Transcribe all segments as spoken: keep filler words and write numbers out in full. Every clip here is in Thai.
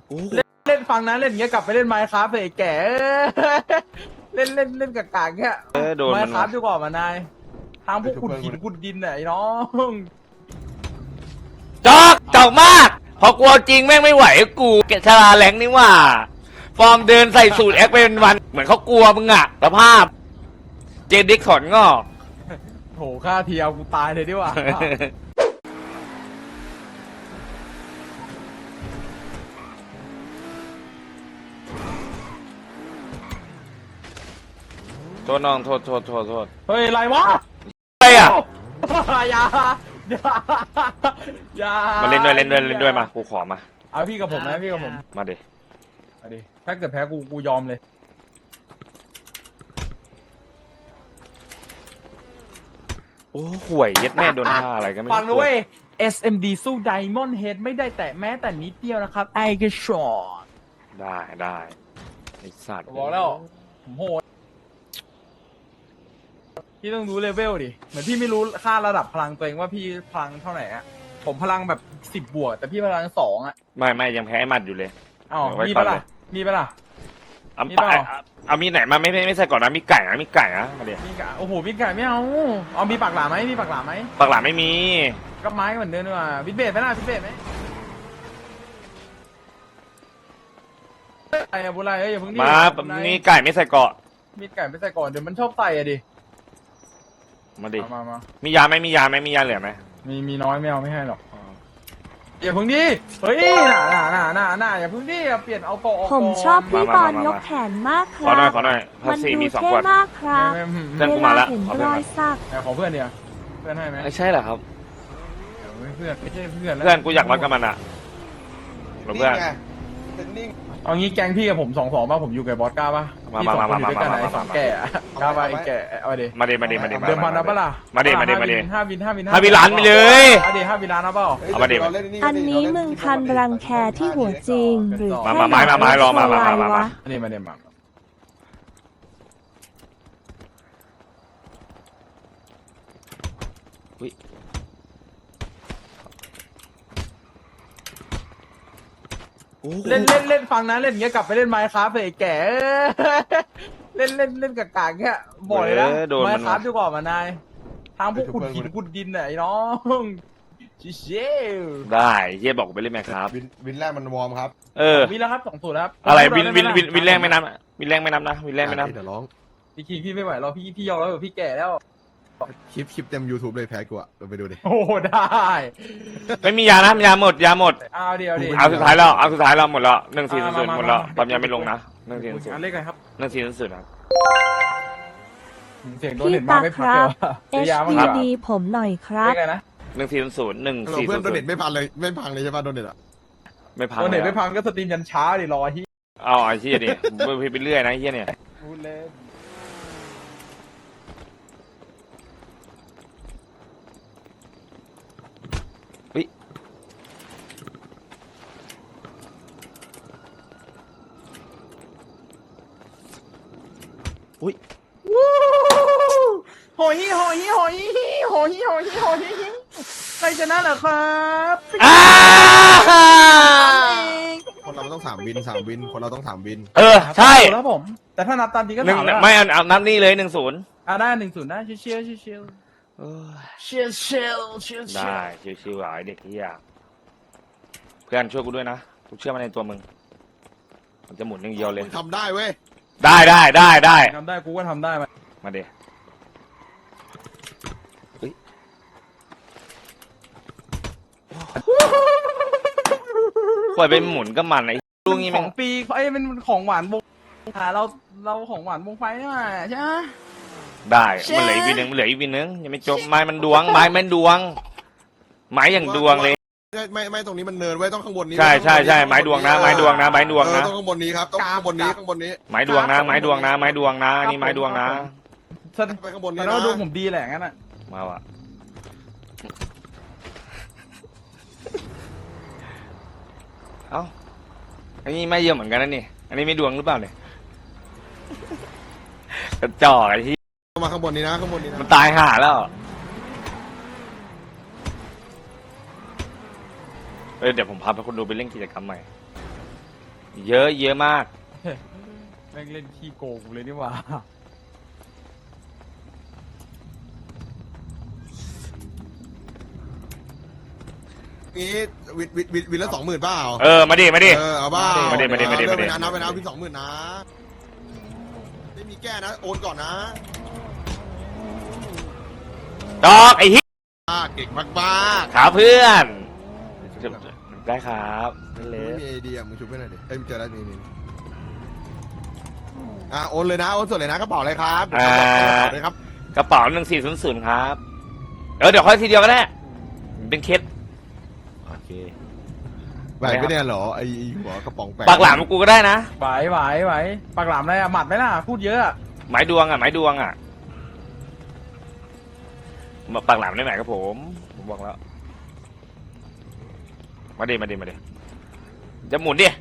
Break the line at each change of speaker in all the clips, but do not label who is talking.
เล่นเล่นฟังนะเล่นอย่างเงี้ยกลับไปเล่นไมค์ครับไอ้แก่เล่นเล่นเล่นกากๆเงี้ย
เออโดน
ไม
มัน
ค์ครับดีกว่ามานายทางพวกขุดหินขุดดินน่ะไอ้น้อง
จอกจอกมากพอกลัวจริงแม่งไม่ไหวกูแกชลาแหลงนี่ว่าฟอร์มเดินใส่สูตรแอคเป็นวันเหมือนเขากลัวมึงอะสภาพเจดิกถอนงอก
โหค่าเทียวกูตายเลยดีกว่า
โทษน้องโทษโทษโทษโทษ
เฮ้ยอะไรวะ
อะไรอ่ะ
อย่าอย่าอย่า
มาเล่นด้วยเล่นด้วยเล่นด้วยมากูขอมา
เอาพี่กับผมนะพี่กับผม
มาดิ
เอาดิถ้าเกิดแพ้กูกูยอมเลย
โอ้ห่วยเย็ดแม่โดนท่าอะไรกันไม่รู้
ฟังนะเว้ย เอส เอ็ม ดี สู้ Diamond Head ไม่ได้แต่แม้แต่นิดเดียวนะครับไอ้กระชอน
ได้ได้ไอสัตว์
บอกแล้วผมโหดพี่ต้องรู้เลเวลดิเหมือนพี่ไม่รู้ค่าระดับพลังตัวเองว่าพี่พลังเท่าไหร่อะผมพลังแบบสิบบวกแต่พี่พลังสองอะ
ไม่ไม่ยังแพ้ไอ้หมัดอยู่เลย
อ้าว
เอาไว้
มี
ก่อ
ปะ
น
ล่ะ
เลย
มีปะล่ะ
เอา
มี
ไป
เปล่า
เอาเอามีไหนมาไม่ไม่ไม่ใส่ก่อนนะมีไก่นะมีไก่นะมาดิ
มีกะโอ้โหมีไก่ไม่เอาเอามีปากหลาไหมมีปากหลาไหม
ปากหลานไม่มี
ก็ไม้เหมือนเดิมดีกว่าวิดเบสไหมล่ะวิดเบสไหมไอ้อะบุไรเอ้ยอย่าเพิ่งดิ
มา
บุไร
นี่ไก่ไม่ใส่เกาะ
มีไก่ไม่ใส่ก่อนเดี๋ยวมันชอบใส่อะดิ
มาดิ
เอามามา
มียาไหมมียาไหมมียาเหลือไหม
มีมีน้อยไม่เอาไม่ให้หรอกอย่าเพิ่งดิเฮ้ยน่าน่าน่าน่าน่าอย่าเพิ่งดิอย่าเปลี่ยนเอากอ
ผมชอบพี่ตอนยกแขนมากค
ขอ
รั
หน่อย
บ
ขอหน่อยภา
มัน
ษี
ดู
มีสอง
เท่
ขวด
มากครับ
ไม่ไม่
เพื่อนกู
เว
มา
ลา
ละ
เห็น
ขอเพื่
ร
อน
อยสัก
แต่ขอเพื่อนเดียวเพื่อนให้ไหม
ไม่ใช่เหรอครับ
เดี๋ยวไม่เพื่อนไม่ใช่เพื่อนแล้ว
เพื่อนกูอยากรักกับมันอ่ะหรอเพื่อน
เอางี้แกงพี่กับผมสองสองป่ะผมอยู่กับบอสก้าป่ะ
มา
พี่สอง
มา
คนอยู่ด้วยกัน
มา
ไหน
มา
สอง
มา
แก่อะก้าป่ะไอ้แก่เอาดิ
มาดิมาดิมาดิมา
เดิมพันนะป่ะล่ะ
มาดิมาดิมาดิ
ห้าวินห้าวิน
ห้าวินล้านไปเลย
เอาดิห้าวินล้านนะเปล่า
เอามาดิ
อันนี้มึงทันรังแคที่หัวจริง หรือ
มา
แค่
มามามา
อยก
รอมามา
ให้
มามา
วะ
อันนี้มาเดมมาเล่นเล่นเล่นฟังนะเล่นอย่างเงี้ยกลับไปเล่นไมค์ครับไอ้แก่เล่นเล่นเล่นกากๆเงี้ยบ่อยนะ
เออโดน
ไม
มัน
ค์ครับดีกว่ามานายทางพวกขุดหินขุดดินน่ะไอ้น้องชิเชล
ได้เฮียบอกกูไปเล่นไหมครับ
วินวินแรกมันวอร์มครับ
เออ
มีแล้วครับสองสูตรแล้วครับ
อะไรวินวินวินวินแรงไม่นับวินแรงไม่นับนะวินแรงไม่นับ
เดี๋ยวร้อง
พี่คิงพี่ไม่ไหวแล้วพี่พี่ยอมแล้วพี่แก่แล้ว
คลิปคลิปเต็ม YouTube เลยแพ้กูอะเราไปดูดิ
โอ้ได้
ไม่มียานะยาหมดยาหมด
เอาเดียวดิ
เอาสุดท้ายแล้วเอาสุดท้ายแล้วหมดแล้วหนึ่งสี่
อ่า
ศูนย์
มา
หมดแล้ว
มามา
ปั๊มยาไม่ลงนะหนึ่งสี่ศูน
อัน
ย์
เลขอะไรครับ
หนึ่งสี่ศูนย์ครับ
เสียงโดนเน็ตมาไม่พักเลยว่ะ
เอ
ซื้อ
ช
ยาบ้าง
ดี
ดีกว่า
ดีผมหน่อยครั
เล
บ
ขอะไรนะ
หนึ่งสี่ศูนย์หนึ่ง
เรา
สี่
เพื่
ศู
อน
นย์
โดเน็ตไม่พันเลยไม่พังเลยใช่ป่ะโดเน็ตอะ
ไม่พัง
โดนเน็ต
ล
ไม่
ย
พังก็สตรีมยันเช้าดิรอที่
เอาไอ้เฮียดิไปไปเรื่อยนะไอ้เฮียเนี่ย
พูดเล่น
อุ้ย
โหยโหยโหยโหยโหยโหยใครชนะเหรอครับ
อ้า
คนเรามันต้องสามวินสามวินคนเราต้องสามวิน
เออใช่
แล้วผม แต่ถ้านับตามจริงก็
หนึ่ง
สามแล้ว
ไม่เอาเอานับนี่เลยหนึ่งศูนย์
อ่ะได้หนึ่งศูนย์ได้เชียร์เชียร์เชียร์เชียร์เชียร์เชียร์เชียร์
ได้ชิวๆอ่ะไอเด็กเฮียเพื่อนช่วยกูด้วยนะกูเชื่อมันในตัวมึงมันจะหมุนอย่างเดียวเลย
ทำได้เว้ย
ได้ได้ได้ได้
ทำได้กูก็ทำได้มา
มาเดปล่อยไปหมุนก็มันไอ้ลูกนี้
ข
มั
อน งปีเอ้ยเป็นของหวานวงหาเราเราของหวานวงไฟนี่มาใช่ไหม
ได้มันเหลืออีกวินหนึ่งมันเหลืออีกวินหนึ่งยังไม่จบไม้มันดวงไม้มันดวง ไม้อย่างดวงเลย
ไม่ไม่ไม่ตรงนี้มันเนินไว้ต้องข้างบนนี้
ใช่ใช่ใช่ไม้ดวงนะไม้ดวงนะไม้ดวง
เออ
นะ
ต้องข้างบนนี้ครับต้องข้างบนนี้ข้างบนนี้
ไม้ดวงนะไม้ดวงนะไม้ดวงนะอันนี่ไม้ดวงนะ
แสดง
ไปข้างบนนี้
ว่า
นะ
ดูผมดีแหละงั้นอ่ะ
มาว่ะเอ้าอันนี้ไม่เยอะเหมือนกันนะนี่อันนี้ไม่ดวงหรือเปล่าเนี่ยกระจอกไอ้ที่
มาข้างบนนี้นะข้างบนนี้นะ
มันตายห่าแล้วเออเดี๋ยวผมพาไปคนดูไปเล่นกิจกรรมใหม่เยอะเยอะมาก
แม่งเล่นขี้โกงกูเลยนี่หว่า
นี้วินวินวินวินละสองหมื่นเปล่า
เออมาดิมาดิ
เออเอาเปล่า
มาดิมาดิมาดิ
เอ
มาดิ
ไปนะนับไปนะวินสองหมื่นนะไม่มีแก้นะโอนก่อนนะ
ดอกไอ้เหี้ย
อ่าเก่งมากมาก
ขาเพื่อนได้ครับนั่นเล
ไม่
ย
มีไอเดียมึงชุบไปหน่อยดิเอ้ยมึงเจอแล้วนี่นี่อ่าโอนเลยนะโอนส่วนเลยนะกระเป๋าอะไรครับกระเป๋าเลยครับ
กระเป๋าหนึ่งสี่ศูนย์ศูนย์ครับเออเดี๋ยวค่อยทีเดียวก็ได้เป็นเคสโอเค
ไหวไม่ได้เหรอไอหัวกระป๋องแปะ
ปากหลามกูก็ได้นะ
ไหวไหวไหวปากหลามอะไรอะหมัดไหมล่ะพูดเยอะอะ
ไม้ดวงอ่ะไม้ดวงอ่ะมาปากหลามได้ไหมครับผมผมบอกแล้วมาดิมาดิมาดิจะหมุนดิ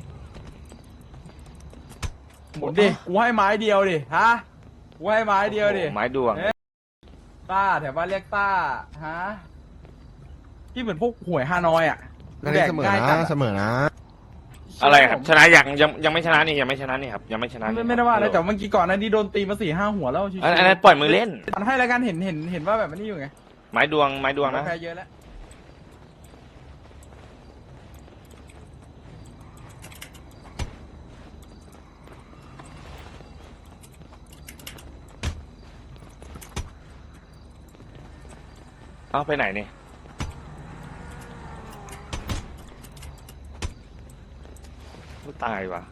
หมุนดิกูให้ไม้เดียวดิฮะกูให้ไม้เดียวดิ
ไม้ดวง
ต้าแถวบ้านเรียกต้าฮะที่เหมือนพวกหวยฮานอยอ่ะ
นั่นเองเสมอ
แดกง่ายจั
นะ
ด
เสมอนะ
อะไรครับชนะยังยังยังไม่ชนะนี่ยังไม่ชนะนี่ครับยังไม่ชนะ
ไม่
นี่
ไม่ได้ว่าอะไรแต่เมื่อกี้ก่อนหนั้านนี่โดนตีมาสี่ห้าหัวแล้วชิว
อันอันนั้นปล่อยมือเล่น
มันให้รายการเห็นเห็นเห็นว่าแบบนี้อยู่ไง
ไม้ดวงไม้ดวงนะ
แพ้เยอะแล้ว
เอาไปไหนเนี่ยตายว่ะ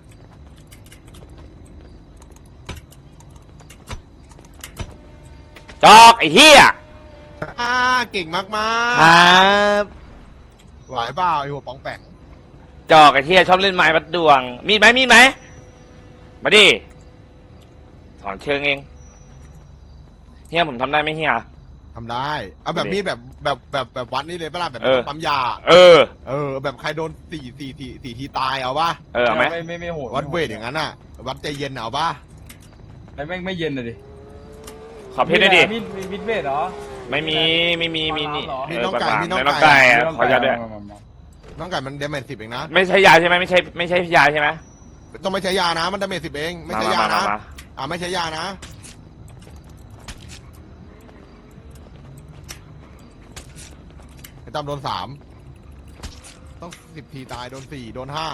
จอกไอ้เหี้ย
อ่าเก่งมากมา
ค
ก
รับ
ไหวเปล่าไอหัวป๋องแปง
จอกไอ้เหี้ยชอบเล่นไม้วัดดวง มีดไหมมีดไหมมาดิถอนเชิงเองเฮียผมทำได้ไหมเฮีย
ทำได้เอาแบบมีดแบบแบบแบบแบบวัดนี่เลยปะล่ะแบบ
เออ
ปั๊มยา
เออ
เออแบบใครโดนสี่สี่สี่สี่ทีตายเอาป่ะ
เออเอาไหม
ไม่ไม่ไม่โหด
วัดเวทอย่างนั้นอ่ะ วัดใจเย็นเอาป่ะ
ไอ้แม่งไม่เย็นเลยดิ
ขอเพชรด้วยดิ
มีดมีมิดเวทเหรอ
ไม่มีไม่มีมีนี่
ปลาร้าเหรอ
เออปลาร้าในน้องไก่อะขอยัดด้วย
น้องไก่มันเดเมจสิบเองนะ
ไม่ใช่ยาใช่ไหมไม่ใช่ไม่ใช่ยาใช่ไหม
ต้องไม่ใช้ยานะมันเดเมจสิบเองไม่
มา
ใช่
มาย
า
มา
นะ
มา
อ่าไม่ใช้ยานะไอ้ตั้มโดนสามต้องสิบทีตายโดนสี่โดนห้า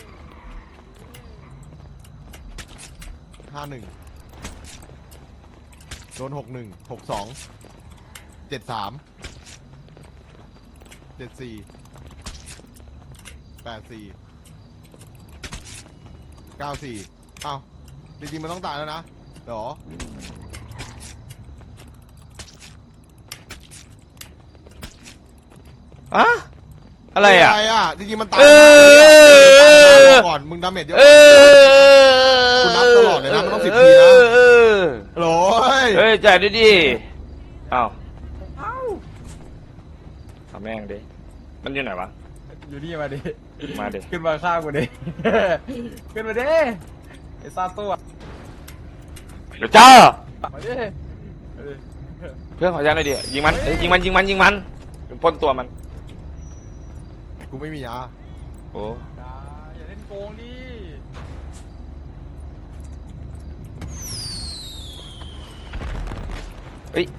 ห้าหนึ่งโดนหกหนึ่งหกสองเจ็ดสามเจ็ดสี่แปดสี่เก้าสี่เอ้าจริงๆมันต้องตายแล้วนะเหรอ
อะอะไรอ่ะ
อะไรอ่ะจริงๆมันตาย
เออ
ก่อนมึงดาเมจเยอะ
เออ
คุณนับตลอดเลยนะมันต้องสิบทีนะ
เออ
โหลย
เฮ้ยจ่ายด้วยดิเอ้า
เอ้า
ทำแม่งดิมันอยู่ไหนวะ
อยู่นี่มาดิ
มาดิ
ขึ้นมาข้างกูดิ ขึ้นมาดิไอ้ซาตัว
เดี๋ยวเจ้า
มาดิมาดิ
เพื่อนขอยันหน่อยดิยิงมันเอ้ยยิงมันยิงมันยิงมันปล้นตัวมัน
กูไม่มียา
โอ้
อย่าอย่าเล่นโกงดิ
เฮ้ย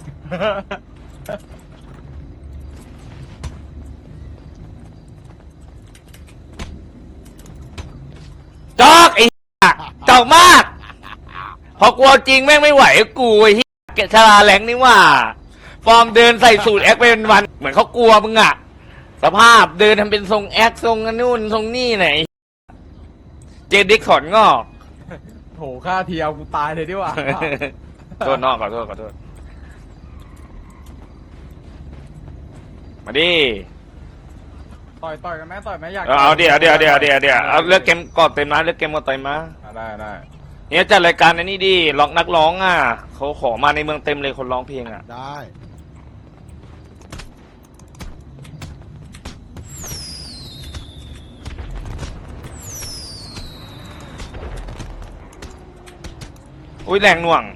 จอกไอ้เหี้ยจอกมาก พอกลัวจริงแม่งไม่ไหวกูไอ้เหี้ยเกะชลาแหลงนี่หว่า ฟอร์มเดินใส่สูตรแอคเป็นวัน เหมือนเขากลัวมึงอะสภาพเดินทำเป็นทรงแอคทรงนู่นทรงนี่ไหนเจดิกขอนงอก
โถค่าเทียวกูตายเลยดีกว่า
โทษนอกขอโทษขอโทษมาดิ
ต่อยต่อยกันไหมต่อยไหมอยาก
เอาเอาเดี๋ยวเดี๋ยวเดี๋ยวเดี๋ยวเดี๋ยวเอาเลือกเกมกอดเต็มนะเลือกเกมกอดเต็มนะ
อ่ะได้ได้
เนี่ยจัดรายการอันนี้ดิร้องนักร้องอ่ะเขาขอมาในเมืองเต็มเลยคนร้องเพลงอ่ะ
ได้
อุ้ยแรงหน่วง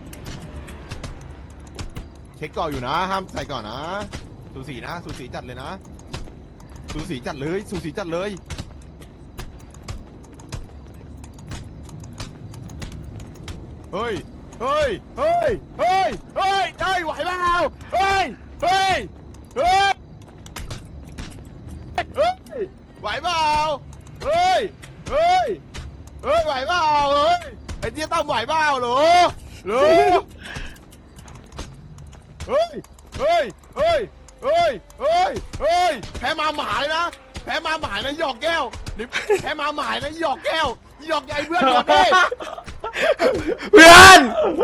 เช็คก่อนอยู่นะห้ามใส่ก่อนนะสูสีนะสูสีจัดเลยนะสูสีจัดเลยสูสีจัดเลยเฮ้ยเฮ้ยเฮ้ยเฮ้ยเฮ้ยเฮ้ยไหวเปล่าเฮ้ยเฮ้ยเฮ้ยเฮ้ยไหวเปล่าเฮ้ยเฮ้ยเฮ้ยไหวเปล่าเฮ้ยไอ้เจี๊ยตั้มไหวเปล่าหรอหรอเฮ้ยเฮ้ยเฮ้ยเฮ้ยเฮ้ยเฮ้ยแพ้มาหมายนะแพ้มาหมายนะหยอกแก้วนี่แพ้มาหมายนะหยอกแก้วหยอกใหญ่เพื่อนหยอกดิ
เพื่อน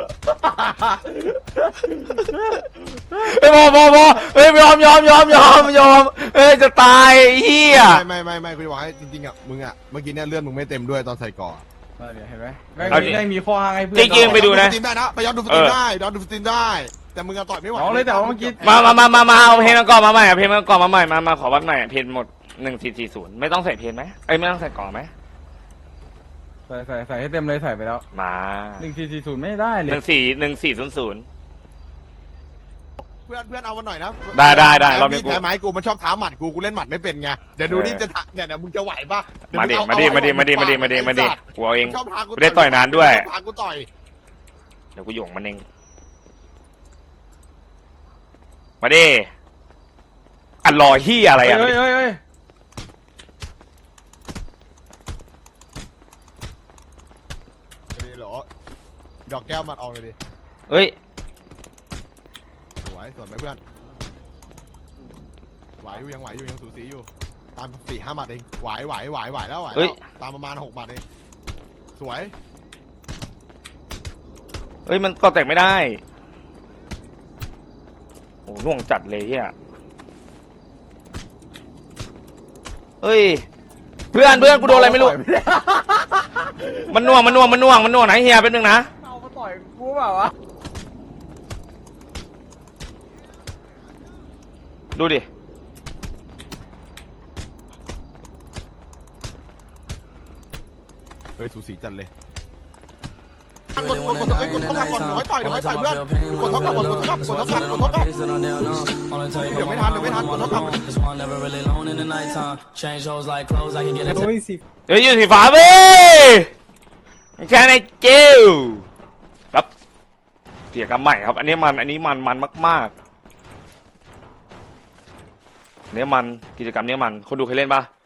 เฮ้ยพอพอพอเฮ้ยยอมยอมยอมยอมยอมเฮ้ยจะตายไอ้เฮีย
ไม่ไม่ไม่ไม่กูจะบอกให้จริงๆอ่ะมึงอ่ะเมื่อกี้เนี่ยเลื่อนมึงไม่เต็มด้วยตอนใส่ก่อ
เออเนี่ยเห็นไหมแม่งมีแม่งมีข้ออ้างให้เพื่อน
จริงๆไปดูนะ
สตรีมได้นะไปย้อนดูสตรีมได้ย้อนดูสตรีมได้ แต่มึงอะต่อยไม่ไหว
อ๋อเลยแต่ว่าเมื่อกี้
มามามามามาเอาเพลงมาก่อนมาใหม่เอาเพลงมาก่อนมาใหม่มามาขอวัดใหม่เพลงหมดหนึ่งสี่สี่ศูนย์ไม่ต้องใส่เพลงไหมเอ้ยไม่ต้องใส่ก่อนไหม
ใส่ใส่ใส่ให้เต็มเลยใส่ไปแล้ว
มา
หนึ่งสี่สี่ศูนย์ไม่ได้เล
ห
ย
นึ่งสี่หนึ่งสี่ศูนย์ศูนย์
เพื่อนเพื่อนเอามาหน่อยนะ
ได้ได้ได้รอบนี้
พี่แพ้ไม้กูมันชอบท้าหมัดกูกูเล่นหมัดไม่เป็นไงเดี๋ยวดูนี่จะทะเนี่ยเดี๋ยวมึงจะไหวปะเยว
มาดิ
งเอ
มาดิ
เอ
มาดิ
เอ
มาดิมาดิมาดิมาดิ
ไอ้สัตว์
กูเอาเอง
ชอบท้ากู
ไม่ได้ต่อยนานด้วย
ชอบท้ากูต่อย
เดี๋ยวกูหยงมันเองมาดิอันรอเฮียอะไร
เฮ้ย
อ่ะ
เฮ้ยเฮ้ยเฮ้ย
นี่เหรอดอกแก้วมันออกเลยดิ
เฮ้ย
สวยสวยไหมเพื่อนไหวอยู่ยังไหวอยู่ยังสูสีอยู่ตามสี่ห้าหมัดเองไหวไหวไหวไหวแล้วไหว
เฮ้
แล้
ย
วตามประมาณหกหมัดเองสวย
เฮ้ยมันก็แตกไม่ได้โอ้น่วงจัดเลยเฮียเฮ้ยเพื่อนเพื่อนกูโดนอะไรไม่รู้มันน่วงมันน่วงมันน่วงมันน่วงไหนเฮียเป็นหนึ่งนะ
เอามาต่อยกูเปล่าวะ
ดูดิ
เฮ้ยสูสีจัดเลยกดกดกดกดกดเท่ากับกดร้อยต่อยเดี๋ยวร้อยต่อยเพื่อนกดเท่ากับกดเท่ากับกดเท่ากับกดเท่ากับเดี๋ยวไม่ทันเดี๋ยวไม่ทันกดเท่ากับ
โอ้ยสิ
เฮ้ยอยู่สีฟ้าเว้ยไม่ใช่ในเจลครับเสียกันใหม่ครับ อันนี้มันอันนี้มันมันมากๆ เนี้ยมันกิจกรรมเนี้ยมันคนดูเคยเล่นปะ